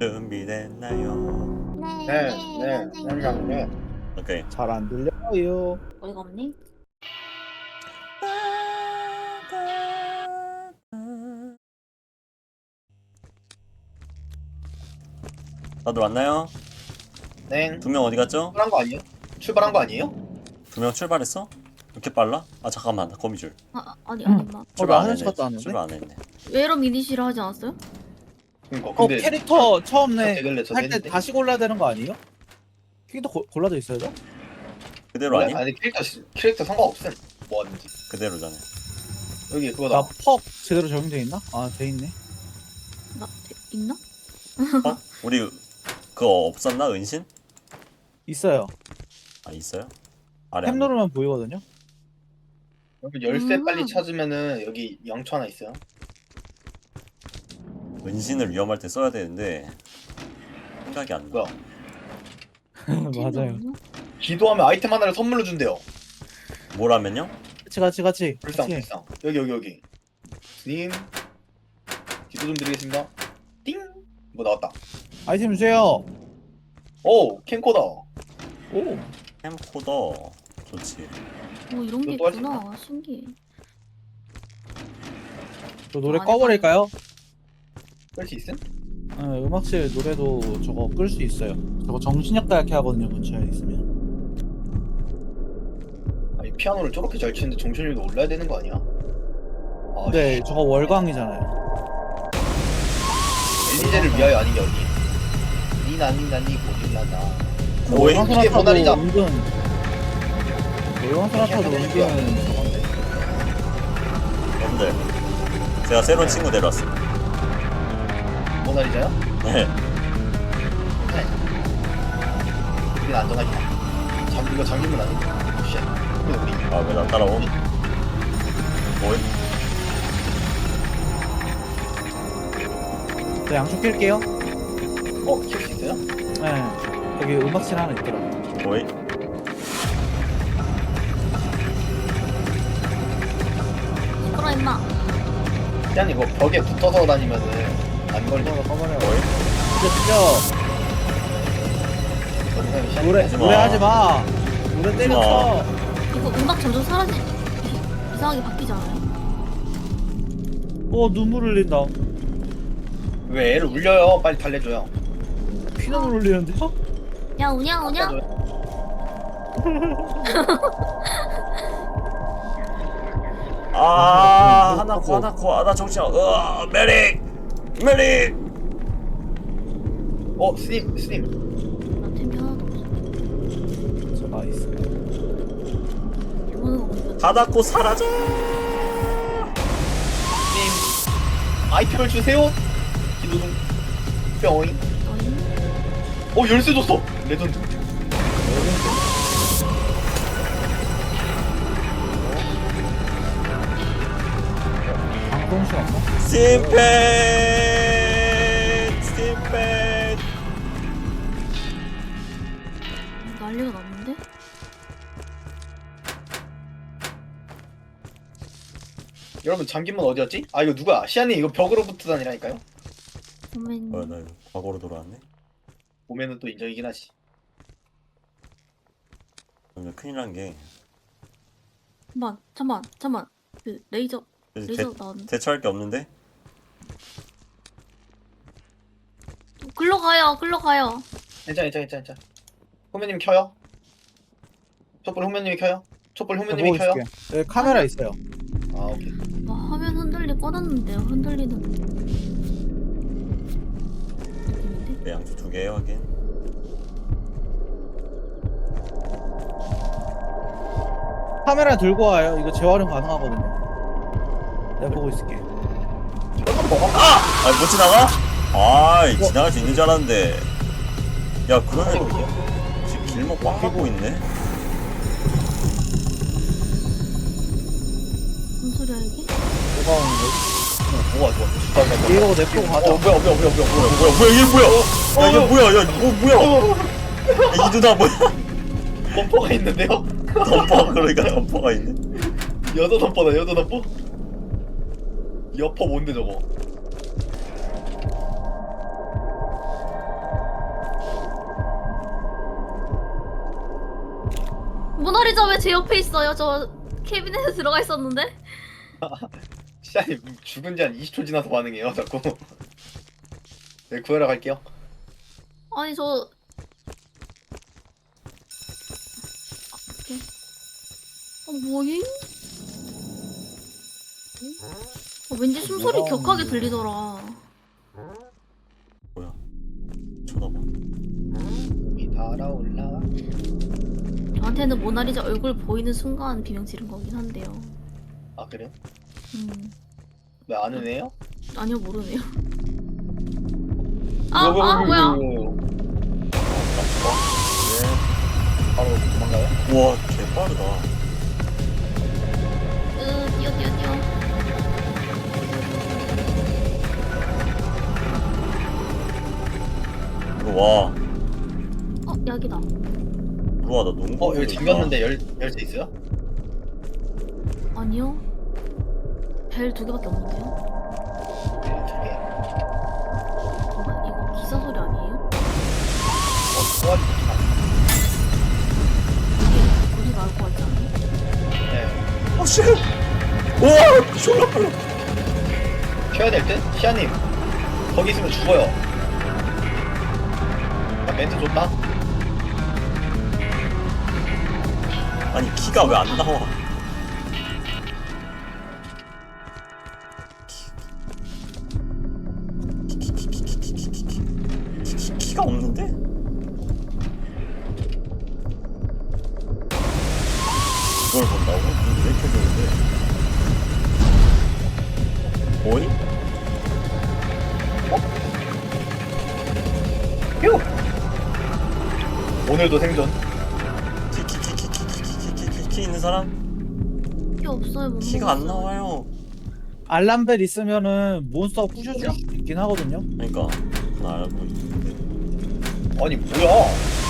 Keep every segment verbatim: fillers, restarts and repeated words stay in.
준비됐나요? 네, 네, 네, 네, 선생님. 네. 오케이. 잘 안 들려요. 어이가 없니? 다들 왔나요? 네. 두 명 어디 갔죠? 출발한 거 아니에요? 출발한 거 아니에요? 두 명 출발했어? 이렇게 빨라? 아 잠깐만 나 거미줄. 아, 아니, 아니, 마. 출발 안 화장실 했네. 갔다 왔는데? 출발 안 했네. 외로 미니시를 하지 않았어요? 그러니까 어 근데 캐릭터 처음에 되길래 저도 할 때 했는데. 다시 골라야 되는 거 아니에요? 캐릭터 고, 골라져 있어야죠? 그대로 원래 아니? 아니 캐릭터 시- 캐릭터 상관없음. 뭐 하든지. 그대로잖아. 여기 그거다. 나 퍽 제대로 적용돼 있나? 아 돼 있네. 나, 돼- 있나? 어? 우리 그거 없었나 은신? 있어요. 아 있어요? 아래 탭 안 누르면 보이거든요. 여기 열쇠 음. 빨리 찾으면은 여기 영초 하나 있어요. 은신을 위험할 때 써야 되는데 생각이 안 나. 뭐야? 맞아요. 없나? 기도하면 아이템 하나를 선물로 준대요. 뭐라면요? 같이 같이 같이. 불쌍 같이. 불쌍. 여기 여기 여기. 님 기도 좀 드리겠습니다. 띵. 뭐 나왔다. 아이템 주세요. 오 캠코더. 오. 캠코더 좋지. 뭐 이런 게 이거 또 있구나. 신기해. 저 노래 아니, 꺼버릴까요? 끌 수 있음? 네, 음악실 노래도 저거 끌 수 있어요. 저거 정신력 다이렇게 하거든요. 근처에 있으면. 아니 피아노를 저렇게 잘 치는데 정신력도 올라야 되는 거 아니야? 아, 네, 씨. 저거 월광이잖아요. 엘리제를 위하여 아닌 게 어디? 니나니 나니 고릴라나. 오이? 월광 이게 소나타도 모나리자. 은근. 월광 소나타도 은근 저건데. 여러분들 제가 새로운 친구 데려왔어. 모나리자요? 네. 네. 우린 안전하게. 잠 이거 잠기면 안 돼. 쉣. 근데 우리 아 왜 나 따라오? 뭐해? 저 양초 낄게요. 어 키울 수 있어요? 네. 여기 음악실 하나 있더라고. 뭐해? 시끄러, 임마. 그냥 이거 벽에 붙어서 다니면은 안 걸려. 꺼버려 꺼버려. 뭐해? 진짜 진짜. 어, 노래 하지 마. 노래 하지 마. 노래 때려쳐. 이거 음악 점점 사라지, 이상하게 바뀌지 않아요? 어 눈물 흘린다. 왜 애를 울려요? 빨리 달래줘요. 피눈물 흘리는데요? 야, 우냐, 우냐? 달래줘요. 아 어, 하나코 어. 하나코 아나 정신. 으아 메릭 메릭. 어 스님 스님. 나 템이 하나도 없어. 제가 있어. 이거는 없어. 하나코 사라져. 스님 아이템을 주세요. 기도 좀. 뿅잉. 어잉? 어 열쇠 줬어. 레전드. 방송실 없나? 심펜 심펜. 난리가 났는데? 여러분 잠긴 문 어디였지? 아 이거 누가? 시안이 이거 벽으로 붙어 다니라니까요? 선배님. 어나 이거 과거로 돌아왔네. 보면은 또 인정이긴 하지. 오늘 큰일 난 게 잠만, 잠만, 잠만. 그 레이저, 레이저 나왔는데. 대처할 게 없는데. 글로 가요, 글로 가요. 괜찮아 괜찮아 괜찮아 괜찮아. 후배님 켜요? 촛불 후배님이 켜요? 촛불 제가 후배님이 보고 켜요? 있을게요. 여기 카메라 있어요. 아 오케이. 와, 화면 흔들리 꺼놨는데요. 흔들리는 느낌인데? 네, 양쪽 두 개 확인. 카메라 들고 와요. 이거 재활용 가능하거든요. 내가 보고 있을게. 이것만 먹어? 아니 못 지나가? 아이 지나갈 수 있는 줄 알았는데. 야 그러면 지금 길목 꽉 막고 있네. 무슨 소리야, 이게? 뭐가 오는 거지? 좋아 좋아. 좋아, 좋아, 좋아. 이거 냅두고 가자. 어 뭐야 뭐야 뭐야 뭐야 뭐야 뭐야 뭐야 뭐야 이게 뭐야? 야 이게 뭐야? 야 이거 뭐야? 어, 야, 이 누나 뭐야? 덤퍼가 있는데요? 덤퍼 그러니까 덤퍼가 있네. 여자 덤퍼다 여자 덤퍼? 여퍼 뭔데 저거? 모나리자 왜 제 옆에 있어요? 저 캐비넷에 들어가 있었는데? 시아님 죽은 지 한 이십 초 지나서 반응해요 자꾸. 네 구하러 갈게요. 아니 저 오케이. 어 뭐임? 어, 왠지 숨소리 뭐야? 격하게 들리더라. 뭐야? 쳐다봐. 이 달아올라. 저한테는 모나리자 얼굴 보이는 순간 비명 지른 거긴 한데요. 아 그래요? 음 왜 아는 애요? 아니요 모르네요. 아, 아 뭐야? 네. 바로 도망가요? 우와, 개 빠르다. 으 뛰어 뛰어 뛰어. 이거 와. 어 약이다. 우와, 나 농구. 어 여기 잠겼는데 열 열쇠 있어요? 아니요. 벨 두 개밖에 없는데요. 네, 저기. 잠깐 이거 기사 소리 아니에요? 어 소화기 좋긴 하네. 이게 소리 나올 것 같지 않아요? 네. 어, 씨! 우와, 졸라 빨라. 켜야 될 듯? 시아님 거기 있으면 죽어요. 나 멘트 줬다. 아니, 키가 왜 안 나와? 키, 키, 키, 키, 키, 키, 키, 키, 키, 키, 키, 키가 없는데? 이걸 본다고? 눈이 왜 이렇게 좋은데? 뭐니? 휴! 오늘도 생존. 키, 키, 키, 키, 키, 키, 키, 키, 키, 키 있는 사람? 키 없어요. 못 키가 안 먹었어요. 나와요. 알람벨 있으면은 몬스터가 부셔줄 수 있긴 하거든요. 그러니까 나 알고 있는데. 아니 뭐야?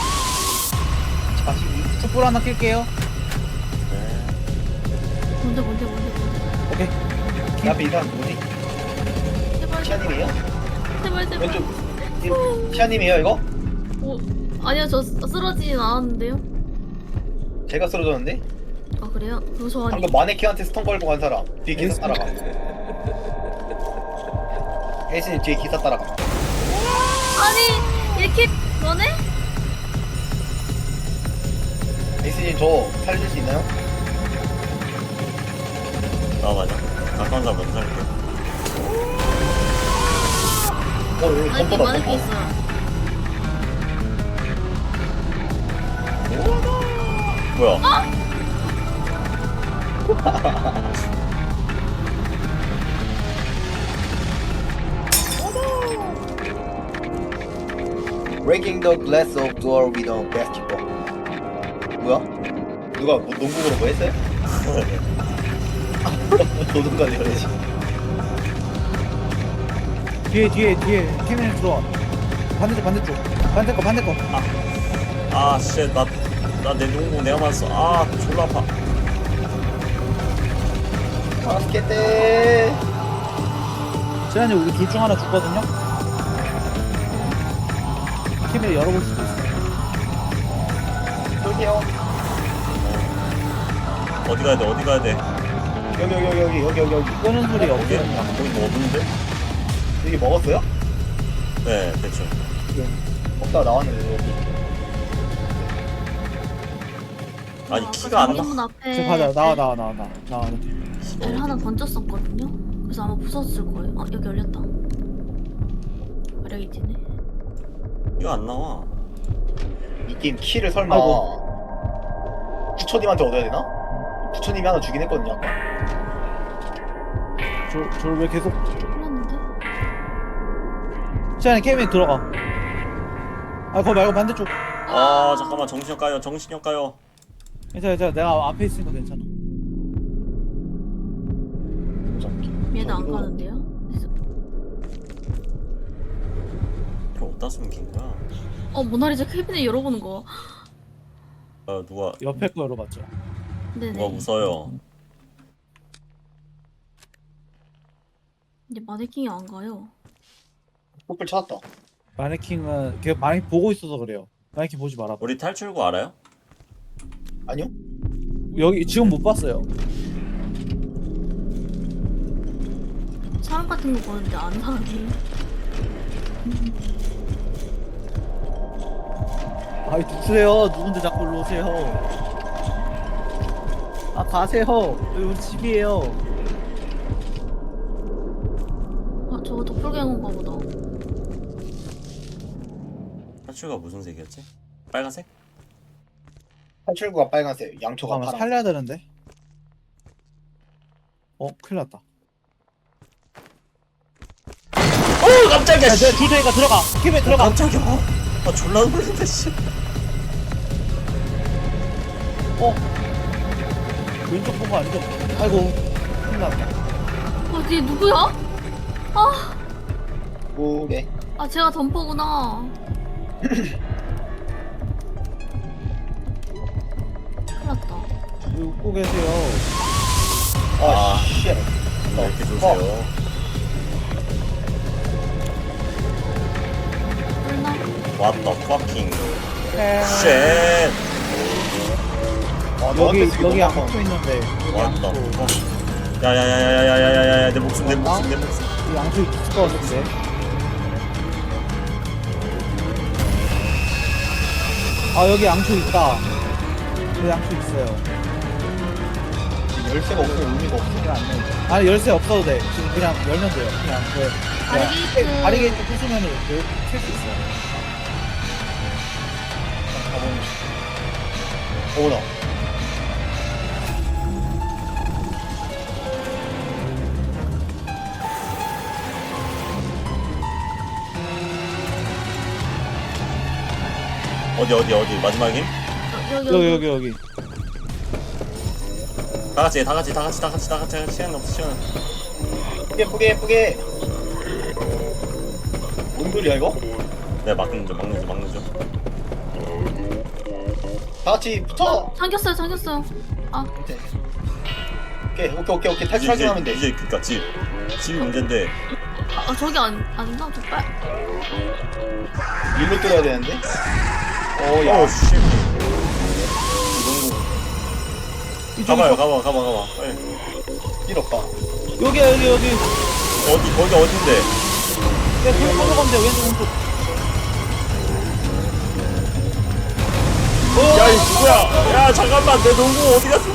자식이. 촛불 하나 낄게요. 네. 뭔데 뭔데 뭔데 뭔데. 오케이. 내 앞에 이 사람 뭐지? 제발 시아님이에요? 제발 제발. 왼쪽. 이- 시아님이에요 이거? 어 아니요 저 쓰- 쓰러지진 않았는데요. 제가 쓰러졌는데? 아 그래요? 그거 저 아니. 방금 마네킹한테 스턴 걸고 간 사람 뒤에 기사 따라가. 혜진이 뒤에 기사 따라가. 아니 이렇게 너네? 혜진이 저 살릴 수 있나요? 나 맞아. 가까운 사람 먼저 할게. 어 여기 아니 덤퍼다 많을 게 덤퍼. 있어요. 뭐야? Breaking the glass of door with a basketball. 뭐야? 누가 뭐 농구로 뭐 했어요? 도둑가 내려지. 뒤에 뒤에 뒤에 캐비넷 들어와. 반대쪽 반대쪽. 반대 거 반대 거. 아, 씨, 나, 나 내 농구 내가 맞았어. 아, 졸라 아파. 바스켓대. 지난해 우리 둘 중 하나 죽거든요. 캐비넷 열어볼 수도 있어. 여기요. 어디 가야 돼? 어디 가야 돼? 여기 여기 여기 여기 여기 여기 여기. 끄는 소리 여기? 없어요. 여기 뭐 없는데? 여기 먹었어요? 네, 대충. 먹다가 나왔는데 여기. 아니, 아까 키가 안 나. 정문 앞에 지금 가자. 나와 나와 나와 나와. 나와. 벨 하나 던졌었거든요. 그래서 아마 부쉈을 거예요. 아 여기 열렸다. 마력이 지네. 이거 안 나와. 이 게임 키를 설마 아이고. 부처님한테 얻어야 되나? 부처님이 하나 주긴 했거든요 아까. 저저왜 계속 흘렀는데? 지난해 캐비넷 들어가. 아 그거 말고 반대쪽. 아, 잠깐만. 정신력 가요. 정신력 가요. 괜찮아 괜찮아. 내가 앞에 있으니까 괜찮아. 얘도 안 저기도- 가는데요? 이거 어디다 숨긴 거야? 어 모나리자 캐비넷 열어보는 거. 아, 누가, 옆에 거 열어봤죠. 네네. 누가 웃어요. 이제 마네킹이 안 가요. 뽀플 찾았다. 마네킹은 걔 마네킹 보고 있어서 그래요. 마네킹 보지 마라. 우리 탈출구 알아요? 아니요? 여기 지금 못 봤어요. 사람 같은 거 보는데 안 사람이. 아이 누구세요? 누군데 자꾸 일로 오세요? 아 가세요. 여기 우리 집이에요. 아 저거 도플갱어인가 보다. 탈출가 무슨 색이었지? 빨간색? 탈출구가 빨간색, 양초가 잠깐만 파란. 살려야 되는데. 어 큰일 났다. 오 깜짝이야. 야, 씨. 내가 줄 테니까 들어가. 팀에 어, 들어가. 깜짝이야. 아 졸라 놀랐네 씨. 어 왼쪽 본 거 아니죠? 아이고 큰일 났다. 어디 누구야? 아, 오래. 아 제가 덤퍼구나. 큰일 났다. 여기 웃고 계세요. 아, 아. 씨. 왜 이렇게 좋으세요? 뚫나? What the fucking 에... shit. 아, 여기 너한테 쓰기 여기 너무 양초 아파. 있는데 여기 What the 양초. fuck. 야야야야야야야야야 내 목숨 내 목숨 내 목숨. 여기 양초 있을 것 같은데. 아 여기 양초 있다. 여기 양초 있어요. 열쇠가 없으면 의미가 없어. 그냥 안 열려. 아니 열쇠 없어도 돼. 지금 그냥 열면 돼요. 그냥 그 바리게이트. 바리게이트 부수면은 킬수 있어. 가보는 중. 어머나. 어디 어디 어디 마지막임? 여기 여기 여기 여기. 다 같이 다 같이 다 같이 다 같이 다 같이 다 같이 시간 없어 시간. 예쁘게, 예쁘게, 예쁘게. 뭔 소리야, 이거? 내가 막는 중 막는 중 막는 중. 다 같이 붙어! 잠겼어요, 잠겼어요. 아, 오케이, 오케이, 오케이, 오케이. 이제 탈출하기만 하면 돼. 이제 그니까 집 집이 문제인데. 아 저기 안 아닌가? 저 빨. 일로 뚫어야 되는데? 어, 야. 오 씨. 가봐요 가봐 가봐 가봐. 빨리. 일 없다. 여기 여기 여기. 어디 거기 어딘데? 야 돌 가면 돼. 왼쪽 오른쪽. 야 이 누구야? 야 잠깐만 내 농구 어디 갔어?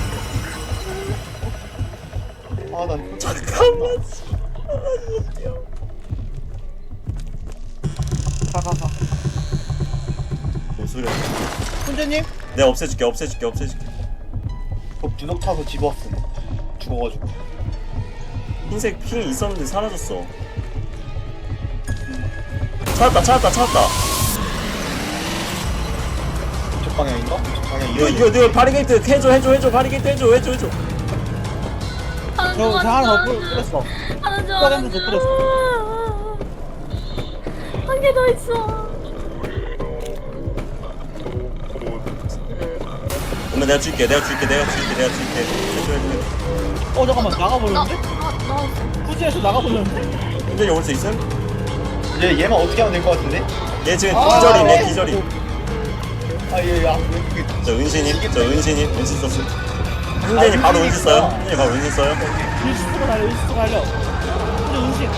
아, 난. 잠깐만. 가가 가. 뭔 소리야? 훈제님? 내가 없애줄게 없애줄게 없애줄게. 저 주석 타서 집어왔음. 죽어가지고. 흰색 핑이 있었는데 사라졌어. 찾았다 찾았다 찾았다. 이쪽 방향인가? 이쪽 방향 이거 이거 이거 이거 바리게이트 해줘 해줘 해줘 바리게이트 해줘 해줘 해줘. 하는 중, 저, 저 하나 더 하는 뿌- 중, 뿌렸어. 하는 중, 뿌려, 하는 더 중. 한 개 더 있어. 엄마 내가 줄게 내가 줄게 내가 줄게 내가 줄게 해줘 해줘 해줘. 어 잠깐만 나, 나가버렸는데? 나, 나, 후지에서 나가버렸는데? 현준이 올 수 있음? 얘, 얘만 어떻게 하면 될 것 같은데? 얘 지금 아, 기절임 얘 네. 기절임. 아, 얘, 야. 왜, 저 은신님 저 은신님 은신 썼음. 현준이 바로 은신 써요? 현준이 바로 은신 써요? 일시스가 달려 일시스가 달려. 훈제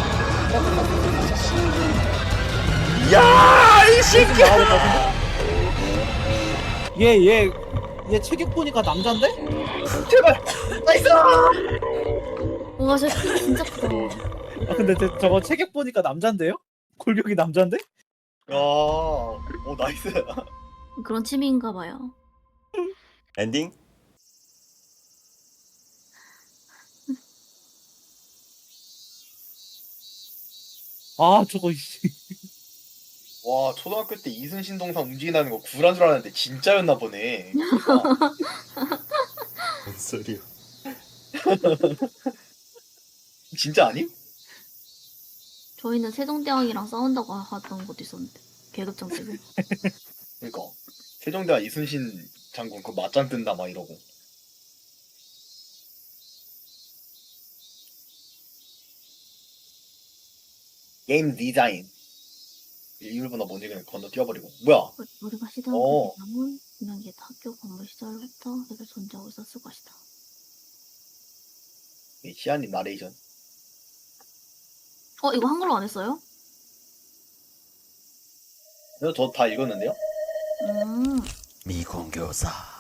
운신. 야이 새끼. 나가볼 것 같은데? 얘얘얘 체격 보니까 남잔데? 제발! 나이스! 와, 저 키 진짜 크다. 아 근데 저, 저거 체격 보니까 남잔데요? 골격이 남잔데? 야, 오, 나이스. 그런 취미인가 봐요. 엔딩? 아 저거 이씨. 와, 초등학교 때 이순신 동상 움직인다는 거 구란 줄 알았는데 진짜였나 보네. 뭔 소리야? 진짜 아님? 저희는 세종대왕이랑 싸운다고 하던 것도 있었는데 계급장 때문에. 그니까. 세종대왕 이순신 장군 그 맞짱 뜬다 막 이러고. 게임 디자인. 일본어 뭔지 그냥 건너 뛰어버리고. 뭐야? 우리가 시도한 어. 그 대상은 분명 옛 학교 건물 시절부터 계속 존재하고 있었을 것이다. 이 시안님 나레이션. 어 이거 한글로 안 했어요? 저 다 읽었는데요? 음 미공교사.